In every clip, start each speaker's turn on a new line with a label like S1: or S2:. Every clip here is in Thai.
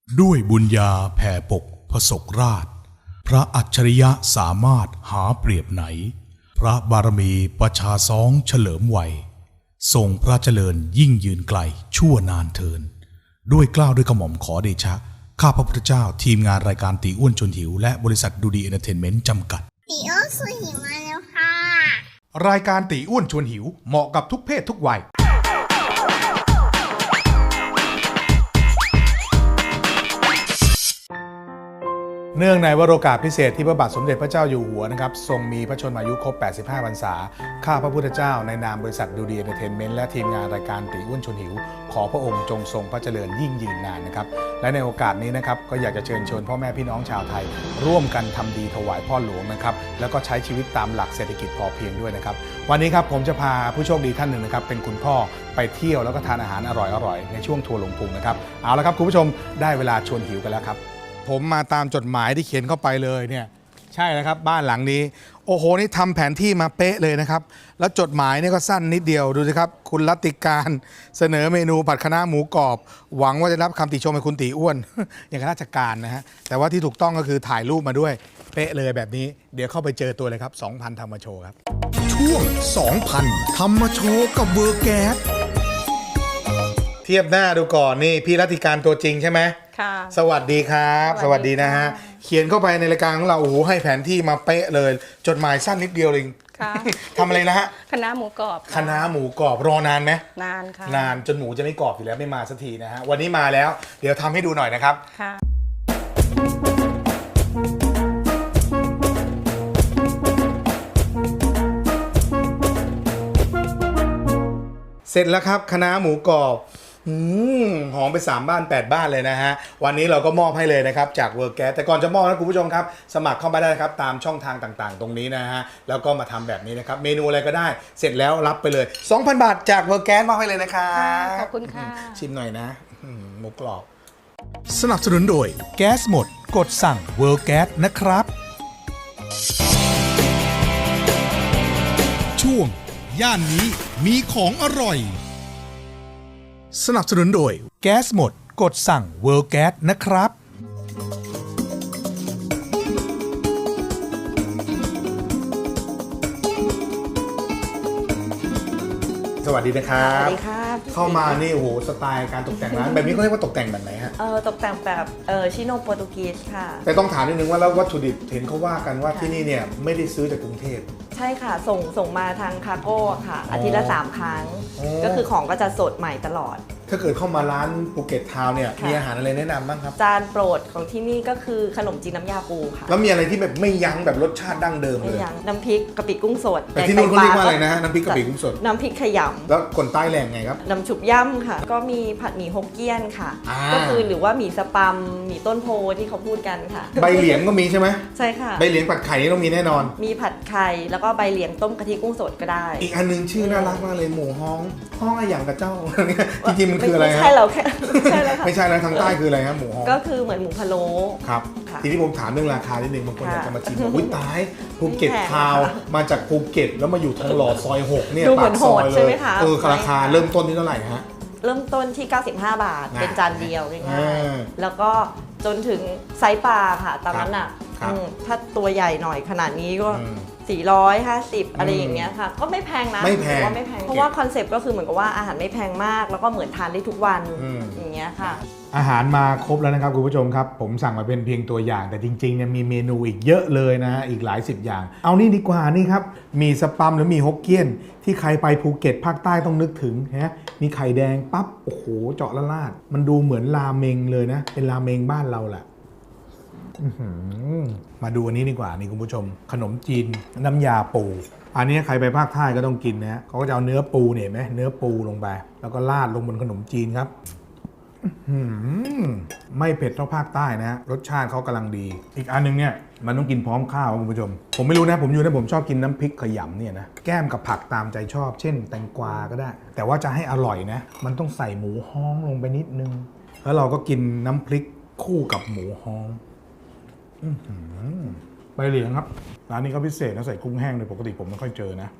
S1: ด้วยบุญญาแผ่ปกพศกราชพระอัจฉริยะสามารถหาเปรียบไหนพระบารมีประชาซ้องเฉลิมวัยทรงพระเจริญยิ่งยืนไกลชั่วนานเทินด้วยเกล้าด้วยกระหม่อมขอเดชะข้าพระพุทธเจ้าทีมงานรายการตีอ้วนชวนหิวและบริษัทดูดีเอนเตอร์เทนเมนต์จำกัด
S2: ตีอ้วนชวนหิวมาแล้วค่ะ
S1: รายการตีอ้วนชวนหิวเหมาะกับทุกเพศทุกวัยเนื่องในวโรกาสพิเศษที่พระบาทสมเด็จพระเจ้าอยู่หัวนะครับทรงมีพระชนมายุครบ 85 พรรษาข้าพระพุทธเจ้าในนามบริษัทดูดีเอนเตอร์เทนเมนต์และทีมงานรายการตีอ้วนชวนหิวขอพระองค์จงทรงพระเจริญยิ่งยืนนานนะครับและในโอกาสนี้นะครับก็อยากจะเชิญชวนพ่อแม่พี่น้องชาวไทยร่วมกันทำดีถวายพ่อหลวงนะครับแล้วก็ใช้ชีวิตตามหลักเศรษฐกิจพอเพียงด้วยนะครับวันนี้ครับผมจะพาผู้โชคดีท่านหนึ่งนะครับเป็นคุณพ่อไปเที่ยวแล้วก็ทานอาหารอร่อยๆในช่วงทัวร์ลงพุงนะครับเอาละครับคุณผู้ชมได้เวลาชวนหิวกันแล้วครับผมมาตามจดหมายที่เขียนเข้าไปเลยเนี่ยใช่แล้วครับบ้านหลังนี้โอ้โหนี่ทำแผนที่มาเป๊ะเลยนะครับแล้วจดหมายนี่ก็สั้นนิดเดียวดูสิครับคุณรัตติการเสนอเมนูผัดคะน้าหมูกรอบหวังว่าจะรับคำติชมให้คุณตีอ้วน อย่างราชการนะฮะแต่ว่าที่ถูกต้องก็คือถ่ายรูปมาด้วยเป๊ะเลยแบบนี้เดี๋ยวเข้าไปเจอตัวเลยครับ 2,000 ธรรมโชว์ครับช่วง 2,000 ธรรมโชว์กับเวอร์แก๊สเทียบหน้าดูก่อนนี่พี่รัตติการตัวจริงใช่ไหม
S3: ค่ะ
S1: สวัสดีครับสวัสดีนะฮะเขียนเข้าไปในรายการของเราโอ้โหให้แผนที่มาเป๊ะเลยจดหมายสั้นนิดเดียวเอง
S3: ค่ะ
S1: ทำอะไรนะฮะ
S3: คณะหมูกรอบ
S1: คณะหมูกรอบรอนานไหม
S3: นานค่ะ
S1: นานจนหมูจะไม่กรอบอยู่แล้วไม่มาสักทีนะฮะวันนี้มาแล้วเดี๋ยวทำให้ดูหน่อยนะครับ
S3: ค่ะ
S1: เสร็จแล้วครับคณะหมูกรอบหอมไป3บ้าน8บ้านเลยนะฮะวันนี้เราก็มอบให้เลยนะครับจากเวอร์แก๊สแต่ก่อนจะมอบนะคุณผู้ชมครับสมัครเข้ามาได้ครับตามช่องทางต่างๆตรงนี้นะฮะแล้วก็มาทำแบบนี้นะครับเมนูอะไรก็ได้เสร็จแล้วรับไปเลย 2,000 บาทจากเวอร์แก๊สมอบให้เลยนะครับ
S3: ขอบคุณค่ะ
S1: ชิมหน่อยนะหมูกรอบสนับสนุนโดยแก๊สหมดกดสั่งเวอร์แก๊สนะครับช่วงย่านนี้มีของอร่อยสนับสนุนโดยแก๊สหมดกดสั่งเวิร์แก๊สนะครับสวัสดีนะครับ
S3: สวัสดีครับ
S1: เข้ามานี่โอ้โหสไตล์การตกแต่งร้านแบบนี้เขาเรียกว่าตกแต่งแบบไหนฮะ
S3: ตกแต่งแบบชิโนโปรตุกีสค่ะ
S1: แต่ต้องถามนิดนึงว่าแล้ววัตถุดิบเห็นเขาว่ากันว่าที่นี่เนี่ยไม่ได้ซื้อจากกรุงเทพ
S3: ใช่ค่ะส่งมาทางคาร์โก้ค่ะอาทิตย์ละ3 ครั้งก็คือของก็จะสดใหม่ตลอด
S1: ถ้าเกิดเข้ามาร้านภูเก็ตทาวน์เนี่ยมีอาหารอะไรแนะนำบ้างครับ
S3: จานโปรดของที่นี่ก็คือขนมจีนน้ำยาปูค่ะ
S1: แล้วมีอะไรที่แบบไม่ยั้งแบบรสชาติดั้งเดิมเลย
S3: ไม่ยั้งน้ำพริกกะปิกุ้งสด
S1: แต่ที่นู่นเขาเรียกว่าอะไรนะฮะน้ำพริกกะปิกุ้งสด
S3: น้ำพริกขยำ
S1: แล้วคนใต้แหล่งไงครับ
S3: น้ำชุบย่ำค่ะก็มีผัดหมี่ฮกเกี้ยนค่ะก็คือหรือว่าหมี่สปัมหมี่ต้นโพที่เขาพูดกันค่ะ
S1: ใบเหลียงก็มีใช่ไหม
S3: ใช่ค่ะ
S1: ใบเหลียงผัดไข่นี่ต้องมีแน่นอน
S3: มีผัดไข่แล้วก็ใบเหลียงต้มกะทิกุ้งสดก็ได้
S1: อีกอันนึงชื่อน่ารักมากเลยหมูฮ้องอะไรอย่างกับเจ้าจริงๆมันคืออะไร
S3: ไม่ใช่เราแค่ใช่แล้วค่ะ
S1: ไม่ใช่แล้วทางใต้คืออะไรครับหมูฮ้อง
S3: ก็คือเหมือนหมูพะโล้
S1: ครับทีนี้ผมถามเรื่องราคานิดนึงบางคนอยากจะมาชิมบอกอุ้ยตายภูเก็ตทาวมาจากภูเก็ตแล้วมาอยู่ทองหล่อซอย6เนี่ยปากซอยเลยราคาเริ่มต้นที่เท่าไหร่ฮะ
S3: เริ่มต้นที่95 บาทเป็นจานเดียวง่ายๆแล้วก็จนถึงไซส์ปลาค่ะตามนั้นอ่ะถ้าตัวใหญ่หน่อยขนาดนี้ก็450อะไรอย่างเงี้ยค่ะก็ไม่แพงนะ
S1: ไม่แพง
S3: เพราะว่าคอนเซ็ปต์ก็คือเหมือนกับว่าอาหารไม่แพงมากแล้วก็เหมือนทานได้ทุกวันอย่างเงี้ยค่ะ
S1: อาหารมาครบแล้วนะครับคุณผู้ชมครับผมสั่งมาเป็นเพียงตัวอย่างแต่จริงๆเนี่ยมีเมนูอีกเยอะเลยนะฮะอีกหลาย10อย่างเอานี่ดีกว่านี่ครับมีสปัมหรือมีฮกเกี้ยนที่ใครไปภูเก็ตภาคใต้ต้องนึกถึงฮะมีไข่แดงปั๊บโอ้โหเจาะละลาดมันดูเหมือนราเมงเลยนะเป็นราเมงบ้านเราแหละมาดูอันนี้ดีกว่านี่คุณผู้ชมขนมจีนน้ำยาปูอันนี้ใครไปภาคใต้ก็ต้องกินนะเขาก็จะเอาเนื้อปูเนี่ยไหมเนื้อปูลงไปแล้วก็ราดลงบนขนมจีนครับไม่เผ็ดเท่าภาคใต้นะรสชาติเขากำลังดีอีกอันนึงเนี่ยมันต้องกินพร้อมข้าวคุณผู้ชมผมไม่รู้นะผมชอบกินน้ำพริกขยำเนี่ยนะแก้มกับผักตามใจชอบเช่นแตงกวาก็ได้แต่ว่าจะให้อร่อยนะมันต้องใส่หมูฮ้องลงไปนิดนึงแล้วเราก็กินน้ำพริกคู่กับหมูฮ้องใบเหลียงครับร้านนี้ก็พิเศษนะใส่กุ้งแห้งโดยปกติผมไม่ค่อยเจอนะ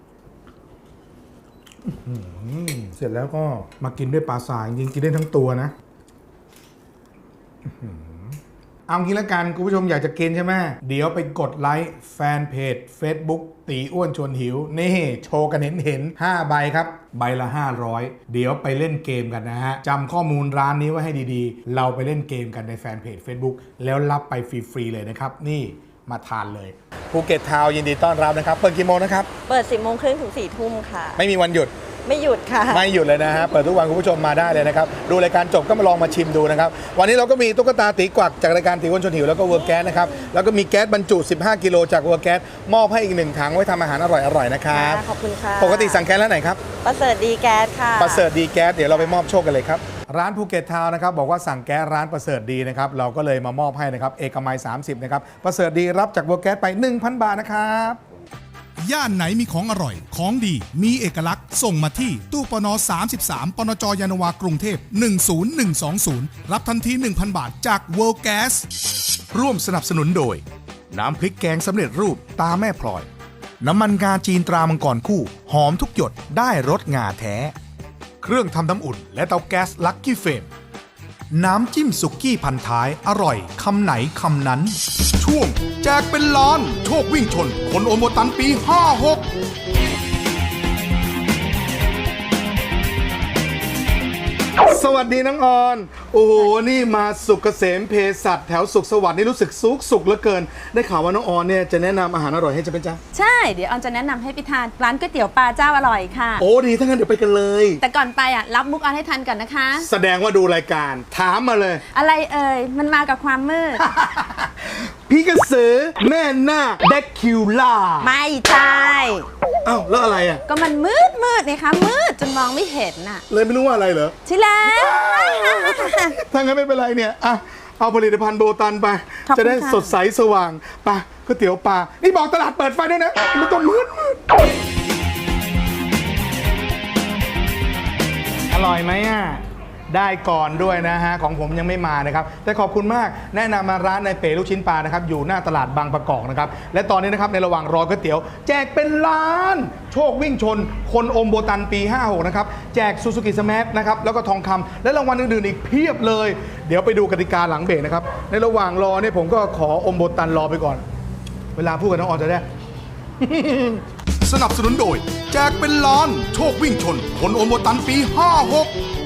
S1: เสร็จแล้วก็มากินด้วยปลาทรายจริงๆกินได้ทั้งตัวนะเอางี้ละกันคุณผู้ชมอยากจะกินใช่ไหมเดี๋ยวไปกดไลค์แฟนเพจ Facebook ตีอ้วนชวนหิวนี่โชว์กันเห็น5ใบครับใบละ500เดี๋ยวไปเล่นเกมกันนะฮะจำข้อมูลร้านนี้ไว้ให้ดีๆเราไปเล่นเกมกันในแฟนเพจ Facebook แล้วรับไปฟรีๆเลยนะครับนี่มาทานเลยภูเก็ตทาวน์ยินดีต้อนรับนะครับเปิดกี่โมงนะครับ
S3: เปิด 10 โมงครึ่งถึง 4 ทุ่มค่ะ
S1: ไม่มีวันหยุด
S3: ไม่หยุดค่ะ
S1: ไม่หยุดเลยนะฮะเปิดทุกวันคุณผู้ชมมาได้เลยนะครับดูรายการจบก็มาลองมาชิมดูนะครับวันนี้เราก็มีตุ๊กตาตีกวักจากรายการตีอ้วนชวนหิวแล้วก็เวอร์แก๊สนะครับแล้วก็มีแก๊สบรรจุ15กิโลจากเวอร์แก๊สมอบให้อีก1ถังไว้ทำอาหารอร่อยๆนะครับ
S3: ขอบคุณค่ะ
S1: ปกติสั่งแก๊สแล้วไหนครับ
S3: ประเสริฐดีแก๊สค่ะ
S1: ประเสริฐดีแก๊สเดี๋ยวเราไปมอบโชคกันเลยครับร้านภูเก็ตทาวน์นะครับบอกว่าสั่งแก๊สร้านประเสริฐดีนะครับเราก็เลยมามอบให้นะครับเอกมัย30นะครับประเสริฐดีรับจากเวอร์แก๊สไป 1,000 บาทนะครับ
S4: ย่านไหนมีของอร่อย ของดี มีเอกลักษณ์ ส่งมาที่ตู้ปน33ปนจยานนาวากรุงเทพ10120รับทันที 1,000 บาทจาก World Gas ร่วมสนับสนุนโดยน้ำพริกแกงสำเร็จรูปตาแม่พลอยน้ำมันงาจีนตรามังกรคู่หอมทุกหยดได้รสงาแท้เครื่องทำน้ำอุ่นและเตาแก๊สลักกี้เฟมน้ำจิ้มสุกี้พันท้ายอร่อยคำไหนคำนั้นช่วงแจกเป็นล้านโชควิ่งชนคนโอโมตันปี 56
S1: สวัสดีน้องออนโอ้โหนี่มาสุกเกษมเภสัชแถวสุขสวัสดิ์นี่รู้สึกสุกเหลือเกินได้ข่าวว่าน้องออนเนี่ยจะแนะนำอาหารอร่อยให้จะเป็นจ้า
S5: ใช่เดี๋ยวออนจะแนะนำให้ไปทานร้านก๋วยเตี๋ยวปลาเจ้าอร่อยค่ะ
S1: โอ้ดีถ้างั้นเดี๋ยวไปกันเลย
S5: แต่ก่อนไปอ่ะรับมุกออนให้ทันก่อนนะคะ
S1: แสดงว่าดูรายการถามมาเลย
S5: อะไรเอ่ยมันมากับความมืด
S1: พี่กระสือแม่นาคเด็กคิวล่า
S5: ไม่ใช่
S1: อ้าวแล้วอะไรอ่ะ
S5: ก็มันมืดนี่คะมืดจนมองไม่เห็นน่ะ
S1: เลยไม่รู้ว่าอะไรเหรอ
S5: ใช่แล้ว
S1: ถ้างั้นไม่เป็นไรเนี่ยอ่ะเอาผลิตภัณฑ์โบตันไปจะได้สดใสสว่างไปก๋วยเตี๋ยวปลานี่บอกตลาดเปิดไฟด้วยนะมันต้องมืดอร่อยไหมอ่ะได้ก่อนด้วยนะฮะของผมยังไม่มานะครับแต่ขอบคุณมากแนะนำมาร้านในเป๋ลูกชิ้นปลานะครับอยู่หน้าตลาดบางประกอบนะครับและตอนนี้นะครับในระหว่างรอก๋วยเตี๋ยวแจกเป็นล้านโชควิ่งชนคนอมโบตันปี 56นะครับแจกซูซูกิสแมทนะครับแล้วก็ทองคำและรางวัลอื่นๆอีกเพียบเลยเดี๋ยวไปดูกติกาหลังเบรกนะครับในระหว่างรอเนี่ยผมก็ขออมโบตันรอไปก่อนเวลาพูดกับน้องออนจะได้
S4: สนับสนุนโดยแจกเป็นล้านโชควิ่งชนคนโอโมตันปี 56